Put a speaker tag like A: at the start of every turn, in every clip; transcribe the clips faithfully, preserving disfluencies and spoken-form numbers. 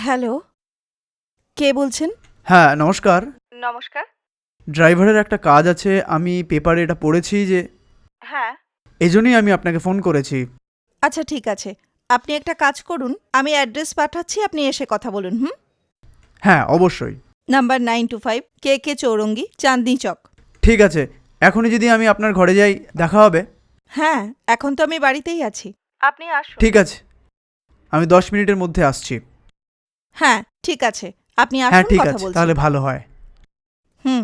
A: Hello, কে বলছেন?
B: হ্যাঁ নমস্কার।
A: নমস্কার।
B: ড্রাইভারের একটা কাজ আছে, আমি পেপারে এটা পড়েছি যে
A: হ্যাঁ।
B: এজন্যই আমি আপনাকে ফোন করেছি।
A: আচ্ছা ঠিক আছে। আপনি একটা কাজ করুন, আমি অ্যাড্রেস পাঠাচ্ছি, আপনি এসে কথা বলুন। হুম?
B: হ্যাঁ অবশ্যই।
A: Number nine two five K K Chowringhee, Chandni Chowk.
B: ঠিক আছে, এখনই যদি আমি আপনার ঘরে যাই দেখা হবে?
A: হ্যাঁ, এখন তো আমি বাড়িতেই আছি। আপনি আসুন।
B: ঠিক আছে, আমি দশ মিনিটের মধ্যে আসছি।
A: হ্যাঁ, ঠিক আছে। আপনি
B: হ্যাঁ
A: আসুন,
B: ঠিক
A: কথা
B: আছে,
A: বলছি।
B: তাহলে ভালো হয়।
A: হুম।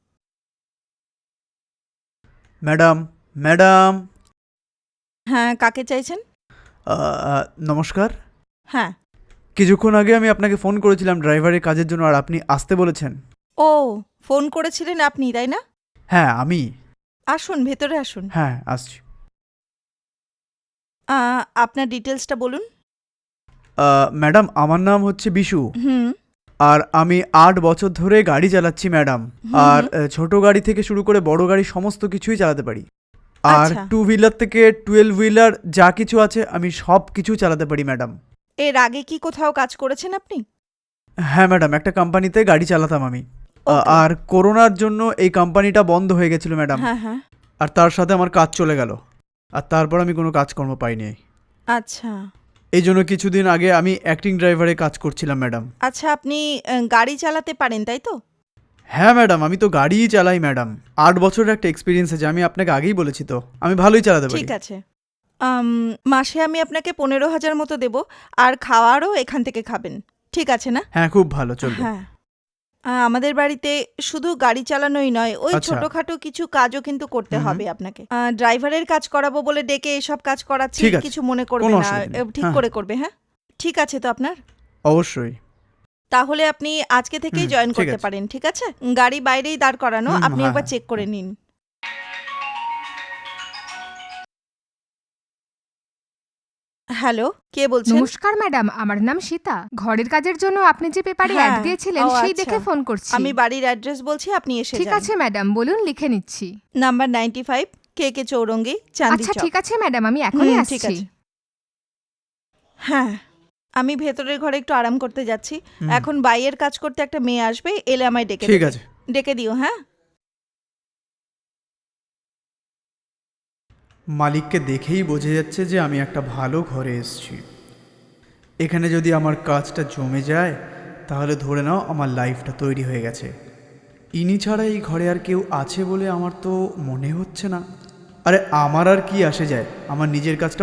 B: Madam, madam.
A: হ্যাঁ, কাকে চাইছেন?
B: আহ, নমস্কার।
A: হ্যাঁ।
B: কিছুক্ষণ আগে আমি আপনাকে ফোন করেছিলাম ড্রাইভারের কাজের জন্য, আর আপনি আসতে বলেছেন।
A: ও, ফোন করেছিলেন আপনি, তাই না?
B: হ্যাঁ আমি।
A: আসুন, ভেতরে আসুন।
B: হ্যাঁ আসছি।
A: আ, আপনার ডিটেলসটা বলুন।
B: আহ, ম্যাডাম আমার নাম হচ্ছে বিশু।
A: হুম।
B: আর আমি আট বছর ধরে গাড়ি চালাচ্ছি ম্যাডাম।
A: হুম,
B: আর
A: হুম।
B: আহ, ছোট গাড়ি থেকে শুরু করে বড় গাড়ি সমস্ত কিছুই চালাতে পারি। আর
A: আচ্ছা।
B: টু হুইলার থেকে টুয়েলভ হুইলার যা কিছু আছে আমি সব কিছু চালাতে পারি ম্যাডাম।
A: এর আগে কি কোথাও কাজ করেছেন আপনি?
B: হ্যাঁ ম্যাডাম, একটা কোম্পানিতে গাড়ি চালাতাম আমি। আহ,
A: ওকে।
B: আর করোনার জন্য এই কোম্পানিটা বন্ধ হয়ে গেছিল ম্যাডাম।
A: হ্যাঁ, হ্যাঁ।
B: আর তার সাথে আমার কাজ চলে গেল। আর তারপর আমি কোনো কাজকর্ম পাইনি।
A: আচ্ছা।
B: এই জন্য কিছুদিন আগে আমি অ্যাক্টিং ড্রাইভারে কাজ করছিলাম ম্যাডাম।
A: আচ্ছা, আপনি আ গাড়ি চালাতে পারেন, তাই তো?
B: হ্যাঁ ম্যাডাম, আমি তো গাড়িই চালাই ম্যাডাম। আট বছরের একটা এক্সপিরিয়েন্স আছে, আমি আপনাকে আগেই বলেছি তো, আমি ভালোই চালাতে পারি।
A: ঠিক আছে। আম মাসে আমি আপনাকে পনেরো হাজার মতো দেব। আর খাওয়ারও এখান থেকে খাবেন। ঠিক আছে না?
B: হ্যাঁ খুব ভালো, চলবে।
A: হ্যাঁ। আ আমাদের বাড়িতে শুধু গাড়ি চালানোই নয়, ওই
B: আচ্ছা।
A: ছোটখাটো কিছু কাজও কিন্তু করতে
B: হুম হুম।
A: হবে আপনাকে। আ ড্রাইভারের কাজ করাবো বলে ডেকে এসব কাজ করাচ্ছি,
B: ঠিক আছে,
A: কিছু মনে করবে
B: কোনো
A: না।
B: অসুবিধা
A: এ
B: নেই।
A: ঠিক
B: হ্যাঁ
A: করে
B: হ্যাঁ,
A: করবে, হ্যাঁ? ঠিক আছে তো আপনার?
B: অবশ্যই।
A: তাহলে আপনি আজকে থেকেই
B: হুম
A: জয়েন
B: ঠিক
A: করতে
B: আছে।
A: পারেন, ঠিক আছে? গাড়ি বাইরেই দাঁড় করানো,
B: হুম হুম,
A: আপনি
B: হ্যাঁ
A: একবার
B: হ্যাঁ
A: চেক করে
B: হ্যাঁ।
A: নিন। হ্যালো, কে বলছেন?
C: নমস্কার ম্যাডাম, আমার নাম সীতা। ঘরের কাজের জন্য আপনি যে পেপারে অ্যাড
A: হ্যাঁ।
C: দিয়েছিলেন
A: ও
C: সেই
A: আচ্ছা।
C: দেখে ফোন করছি।
A: আমি বাড়ির অ্যাড্রেস বলছি, আপনি এসে
C: ঠিক
A: যান।
C: আছে ম্যাডাম, বলুন, লিখে নিচ্ছি।
A: Number ninety five K K Chowringhee, Chandni
C: আচ্ছা
A: চক।
C: ঠিক আছে ম্যাডাম, আমি এখনই
A: হুম, ঠিক
C: আসছি।
A: আছে। হ্যাঁ, আমি ভেতরের ঘরে একটু আরাম করতে যাচ্ছি।
B: হুম,
A: এখন বাইরের কাজ করতে একটা মেয়ে আসবে, এলে আমায় ডেকে
B: ঠিক
A: দেবে।
B: আছে।
A: ডেকে দিও, হ্যাঁ?
B: মালিককে দেখেই বোঝা যাচ্ছে যে আমি একটা ভালো ঘরে এসেছি। এখানে যদি আমার কাজটা জমে যায় তাহলে ধরে নাও আমার লাইফটা তৈরি হয়ে গেছে। ইনি ছাড়া এই ঘরে আর কেউ আছে বলে আমার তো মনে হচ্ছে না। আরে আমার আর কি আসে যায়, আমার নিজের কাজটা